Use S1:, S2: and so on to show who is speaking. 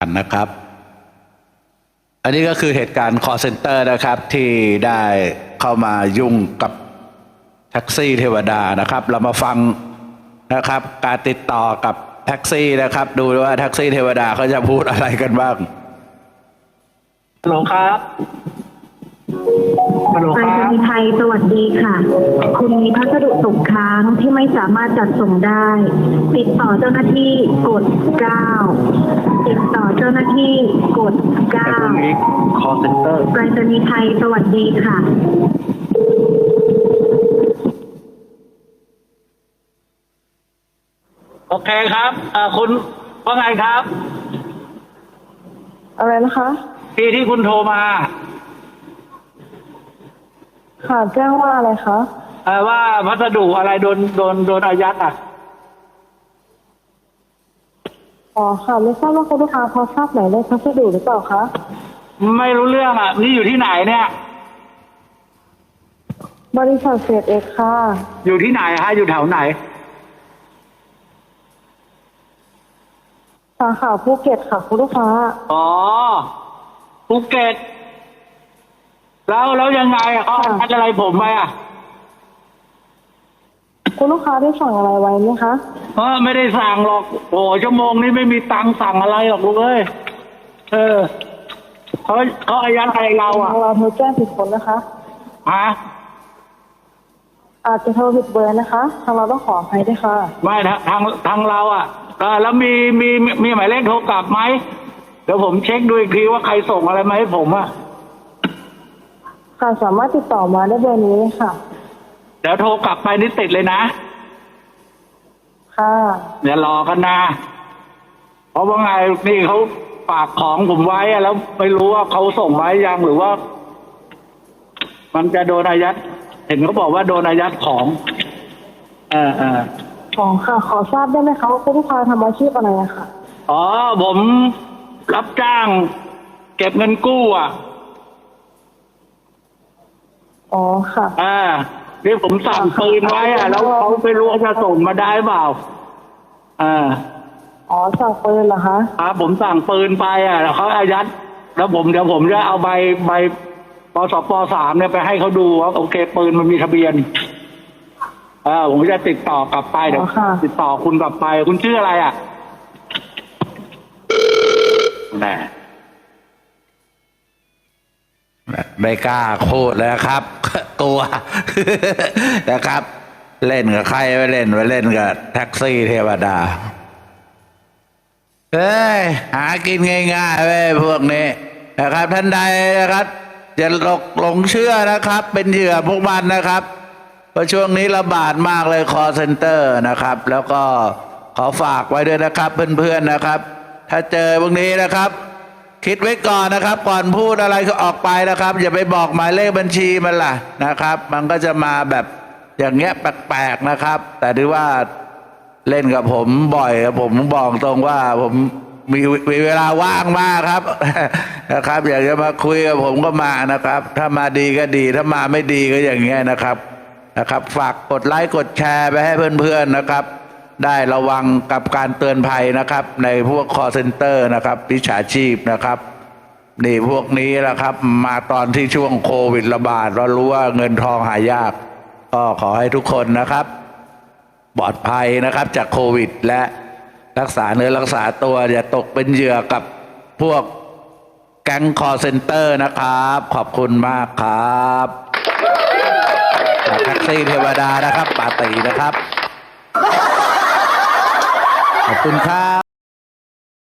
S1: นะครับอันนี้ก็คือเหตุการณ์ call center นะครับที่ได้เข้ามายุ่งกับแท็กซี่เทวดานะครับเรามาฟังนะครับการติดต่อกับแท็กซี่นะครับดูว่าแท็กซี่เทวดาเขาจะพูดอะไรกันบ้างฮัลโหลครับ
S2: ไปรษณีย์ไทยสวัสดีค่ะคุณมีพัสดุตกค้างที่ไม่สามารถจัดส่งได้ติดต่อเจ้าหน้าที่กด 9ติดต่อเจ้าหน้าที่กด 9
S1: call center
S2: ไปรษณีย์ไทยสวัสดีค่ะ
S1: โอเคครับคุณว่าไงครับ
S3: อะไรนะคะ
S1: ที่คุณโทรมา
S3: ค่ะแจ้งว่าอะไรคะ
S1: ว่าพัสดุอะไรโดนอายัดอ่ะ
S3: อ๋อค่ะไม่ทราบว่าคุณลูกค้าพอทราบหมายเลขพัสดุหรือเปล่าคะ
S1: ไม่รู้เรื่องอ่ะนี่อยู่ที่ไหนเนี่ย
S3: บริษัทเศษเอกค่ะ
S1: อยู่ที่ไหนฮะอยู่แถวไหน
S3: สาขาภูเก็ตค่ะคุณลูกค้า
S1: อ๋อภูเก็ตแล้วยังไงเขาอัดอะไรผมไปอ่ะ
S3: คุณลูกค้าได้สั่งอะไรไว้ไหมคะ
S1: ไม่ได้สั่งหรอกโอ้ชั่วโมงนี้ไม่มีตังค์สั่งอะไรหรอกลูกเอ้ยเขาอายัดอะไรเราอ่ะ
S3: เราโทรแจ้งผิดคนนะคะอาจจะโทรผิดเบอร์นะคะทางเราต้องขออภัยด้วยค่ะ
S1: ไม่ทางเราอ่ะแล้วมีหมายเลขโทรกลับไหมเดี๋ยวผมเช็คดูอีกทีว่าใครส่งอะไรมาให้ผมอ่ะ
S3: ค่ะสามารถติดต่อมาได้เบอร์นี้เลยค่ะ
S1: เดี๋ยวโทรกลับไปนี่ติดเลยนะ
S3: ค่ะ
S1: อย่ารอกันนะเพราะว่าไงนี่เขาฝากของผมไว้แล้วไม่รู้ว่าเขาส่งไว้ยังหรือว่ามันจะโดนอายัดเห็นเขาบอกว่าโดนอายัดของ
S3: ของค่ะขอทราบได้ไหมคะว่าคุณลูกค้าทำอาชีพอะไรอะค่ะ
S1: ผมรับจ้างเก็บเงินกู้อ่ะ
S3: อ๋อค่ะ
S1: นี่ผมสั่งปืนไว้แล้วเขาไม่รู้ว่าจะส่งมาได้เปล่า
S3: สั่งปืนเหรอคะ
S1: ผมสั่งปืนไปแล้วเขาอายัดแล้วเดี๋ยวผมจะเอาใบปสป.3เนี่ยไปให้เขาดูว่าโอเคปืนมันมีทะเบียนผมจะติดต่อกลับไปเดี๋ยวติดต่อคุณกลับไปคุณชื่ออะไรแหมไม่กล้าพูดเลยครับกลัวนะครับ เล่นกับใครไปเล่นกับแท็กซี่เทวดาหากินง่ายๆเว้ยพวกนี้นะครับท่านใดนะครับอย่าหลงเชื่อนะครับเป็นเหยื่อพวกมันนะครับเพราะช่วงนี้ระบาดมากเลย call center นะครับแล้วก็ขอฝากไว้ด้วยนะครับเพื่อนๆนะครับถ้าเจอพวกนี้นะครับคิดไว้ก่อนนะครับก่อนพูดอะไรก็ออกไปนะครับอย่าไปบอกหมายเลขบัญชีมันล่ะนะครับมันก็จะมาแบบอย่างเงี้ยแปลกๆนะครับแต่ถือว่าเล่นกับผมบ่อยผมบอกตรงว่าผมมีเวลาว่างมากครับนะครับอยากจะมาคุยกับผมก็มานะครับถ้ามาดีก็ดีถ้ามาไม่ดีก็อย่างเงี้ยนะครับฝากกดไลค์กดแชร์ไปให้เพื่อนๆนะครับได้ระวังกับการเตือนภัยนะครับในพวก call center นะครับมิจฉาชีพนะครับนี่พวกนี้นะครับมาตอนที่ช่วงโควิดระบาดเรารู้ว่าเงินทองหายากก็ขอให้ทุกคนนะครับปลอดภัยนะครับจากโควิดและรักษาเนื้อรักษาตัวอย่าตกเป็นเหยื่อกับพวกแก๊ง call center นะครับขอบคุณมากครับแท็กซี่เทวดานะครับปาตีนะครับขอบคุณครับ